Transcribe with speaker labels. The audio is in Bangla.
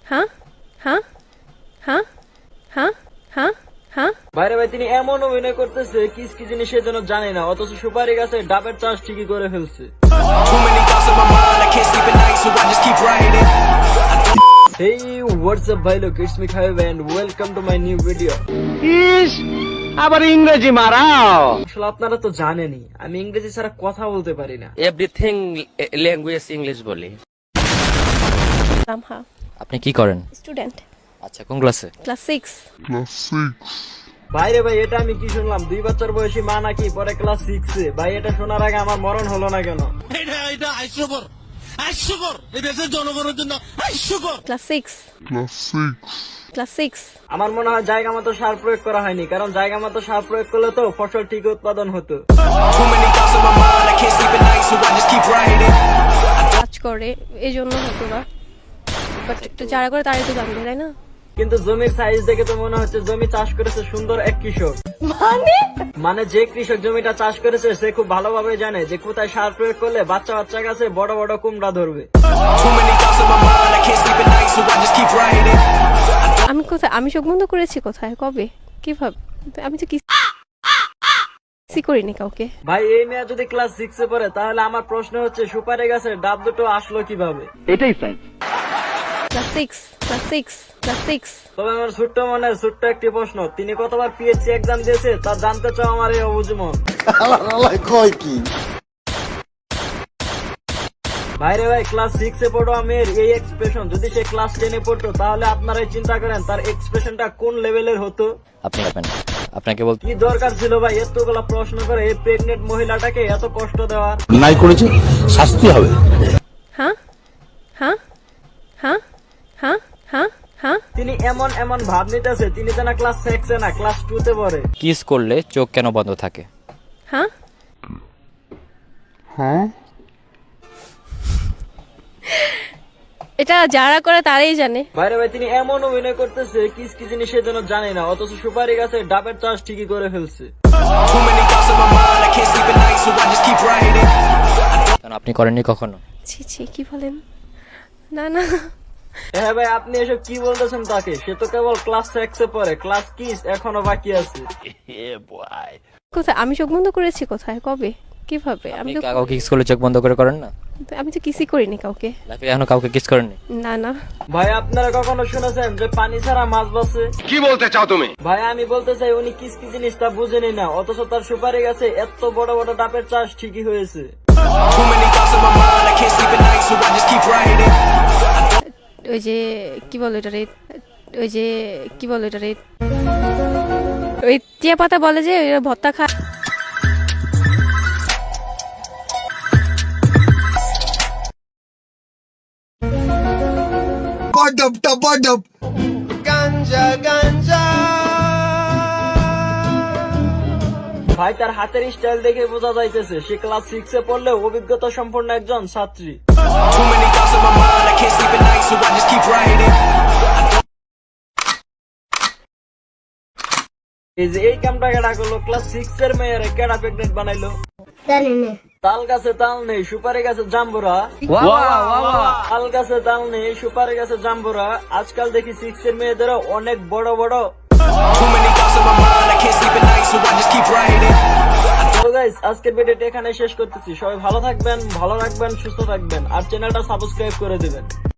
Speaker 1: হ্যাঁ হ্যাঁ হ্যাঁ হ্যাঁ হ্যাঁ হ্যাঁ
Speaker 2: বাইরে ভাই তিনি এমন অভিনয় করতেছে কিস কি জিনিস সে যেন জানে না, অথচ সুপারি গাছে ডাবের চাষ ঠিকই করে ফেলছে। Hey, what's up ভাই লোক, it's me Khaib and welcome to my new video.
Speaker 3: আবার ইংরেজি মারাও।
Speaker 2: আসলে আপনারা তো জানেনই আমি ইংরেজি ছাড়া কথা বলতে পারি না।
Speaker 4: এভরিথিং ল্যাঙ্গুয়েজ ইংলিশ বলি।
Speaker 1: রামহা
Speaker 4: আপনি কি করেন?
Speaker 1: স্টুডেন্ট,
Speaker 4: আচ্ছা, কোন ক্লাসে?
Speaker 1: ক্লাস 6।
Speaker 2: বাইরে ভাই এটা আমি কি শুনলাম, 2 বছর বয়সী মা নাকি পরে ক্লাস 6 এ। ভাই এটা শোনার আগে আমার মরণ হলো না কেন?
Speaker 5: এটা হাস্যকর এই দেশের জনগণের জন্য হাস্যকর।
Speaker 1: Class 6 class 6।
Speaker 2: আমার মনে হয় জায়গা মতো সার প্রয়োগ করা হয়নি, কারণ জায়গা মতো সার প্রয়োগ করলে তো ফসল ঠিক উৎপাদন হতো।
Speaker 1: কাজ করে এই জন্য হতো না, বাট যারা করে তারাই তো জানবে, তাই না?
Speaker 2: কিন্তু জমির সাইজ দেখে তো মনে হচ্ছে জমি চাষ করেছে সুন্দর এক কৃষক। মানে যে কৃষক জমিটা চাষ করেছে সে খুব ভালোভাবে জানে যে কোথায় সার প্রয়োগ করলে বাচ্চা বাচ্চা গাছে বড় বড় কুমড়া ধরবে।
Speaker 1: আমি কোথায়, আমি চোখ বন্ধ করেছি কোথায়, কবে, কিভাবে? আমি তো কিছু করিনি কাউকে।
Speaker 2: ভাই এই মেয়ে যদি ক্লাস 6 এ পড়ে তাহলে আমার প্রশ্ন হচ্ছে সুপারি গাছের ডাব দুটো আসলো কিভাবে?
Speaker 3: এটাই সাইন্স।
Speaker 1: Class 6 class 6 class 6।
Speaker 2: তবে আমার ছোট্ট মনের ছোট্ট একটি প্রশ্ন, তিনি কতবার পিএইচডি এক্সাম দিয়েছে তা জানতে চাও আমার এই অবুঝ মন। ভাইরে ভাই ক্লাস 6 এ পড়ো মেয়ের এই এক্সপ্রেশন যদি সে ক্লাস 10 এ পড়তো তাহলে আপনারাই চিন্তা করেন তার এক্সপ্রেশনটা কোন লেভেলের হতো।
Speaker 4: আপনি আপনাকে বলতে
Speaker 2: কি দরকার ছিল ভাই এতগুলা প্রশ্ন করে এই প্রেগনেন্ট মহিলাটাকে এত কষ্ট দেওয়ার?
Speaker 6: নাই করেছে শাস্তি হবে।
Speaker 1: হ্যাঁ হ্যাঁ হ্যাঁ হ্যাঁ হ্যাঁ হ্যাঁ।
Speaker 2: তিনি এমন এমন ভাব নিতেছে তিনি যেন ক্লাস 6 এ না ক্লাস 2 তে পড়ে।
Speaker 4: কিস করলে চোখ কেন বন্ধ থাকে?
Speaker 1: হ্যাঁ এটা যারা করে তারাই জানে।
Speaker 2: বাইরে ভাই তিনি এমন অভিনয় করতেছে কিস কি জিনিস সে যেন জানে না, অথচ সুপারি গাছে ডাবের চাষ ঠিকই করে ফেলছে।
Speaker 4: কেন আপনি করেননি কখনো?
Speaker 1: ছি ছি, কি বলেন? না না,
Speaker 2: হ্যাঁ ভাই আপনি এসব কি বলতেছেন তাকে? সে তো কেবল ক্লাস 6 এ পড়ে, ক্লাস কিস এখনো বাকি আছে।
Speaker 1: কোথায় আমি চোখ বন্ধ করেছি কোথায়, কবে, কিভাবে?
Speaker 4: আপনি কাউকে কিস করলে চোখ বন্ধ করে করেন না?
Speaker 1: আমি তো কিছুই করিনি কাউকে।
Speaker 4: লাইফে এখনো কাউকে কিস করেননি?
Speaker 1: না না।
Speaker 2: ভাই আপনারা কখনো শুনেছেন যে পানি ছাড়া মাছ বাঁচে?
Speaker 3: কি বলতে চাও তুমি?
Speaker 2: ভাই আমি বলতে চাই উনি কিস কি জিনিস তা বুঝেনি না, অথচ তার সুপারি গাছে এত বড় বড় ডাবের চাষ ঠিকই হয়েছে।
Speaker 1: ওই যে কি বলো এটা রে, ওই যে কি বলো এটা রে, ওই টিয়া পাতা বলে যে ওই ভর্তা খা।
Speaker 2: ভাই তার হাতের স্টাইল দেখে বোঝা যাইতেছে সে ক্লাস 6 এ পড়লেও অভিজ্ঞতা সম্পন্ন একজন ছাত্রী। এই যে এই কামটা কেডা করলো? ক্লাস 6 এর মেয়েরে কেডা প্রেগনেন্ট বানাইলো? তাল গাছে তাল নেই সুপারি গাছে জাম্বুরা। তাল গাছে তাল নেই সুপারি গাছে জাম্বুরা। আজকাল দেখি 6 এর মেয়েদেরও অনেক বড় বড়। তো গাইস আজকের ভিডিওটা এখানে শেষ করতেছি। সবাই ভালো থাকবেন, ভালো রাখবেন, সুস্থ থাকবেন আর চ্যানেলটা সাবস্ক্রাইব করে দিবেন।